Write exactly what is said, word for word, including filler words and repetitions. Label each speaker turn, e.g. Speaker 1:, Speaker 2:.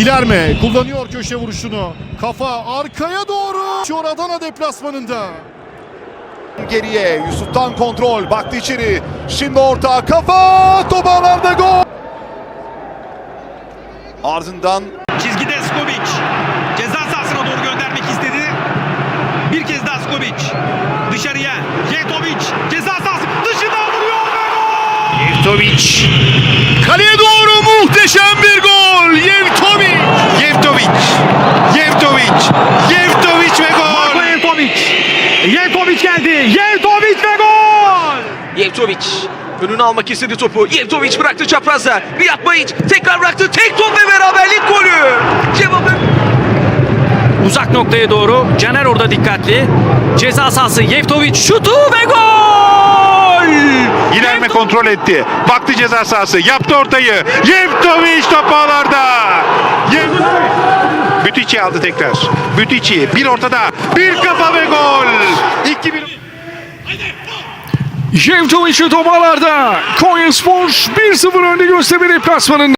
Speaker 1: Guilherme kullanıyor köşe vuruşunu. Kafa arkaya doğru. Şu Adana deplasmanında.
Speaker 2: Geriye Yusuf'tan kontrol, baktı içeri. Şimdi orta, kafa, top ağlarda, gol. Ardından
Speaker 3: çizgide Skobic ceza sahasına doğru göndermek istedi. Bir kez daha Skobic dışarıya. Jevtovic ceza sahası dışından vuruyor ve gol!
Speaker 1: Jevtovic kaleye doğru muhteşem bir gol. Jevtovic.
Speaker 4: Jevtovic. Jevtovic. Jevtovic ve gol.
Speaker 3: Marko Jevtovic. Jevtovic geldi. Jevtovic ve gol!
Speaker 5: Jevtovic önünü almak istedi topu. Jevtovic bıraktı çaprazda. Riyad Mahic tekrar bıraktı. Tek top ve beraberlik golü. Cevabı
Speaker 6: Uzak noktaya doğru. Caner orada dikkatli. Ceza sahası Jevtovic şutu ve gol!
Speaker 4: Guilherme kontrol etti. Baktı ceza sahası. Yaptı ortayı. Jevtovic top ağlarda. Bütüçi aldı tekrar. Bütüçi bir ortada. Bir kafa ve gol. iki bir.
Speaker 7: Jevtovic toparlarda. Konyaspor bir sıfır önde Göztepe deplasmanında.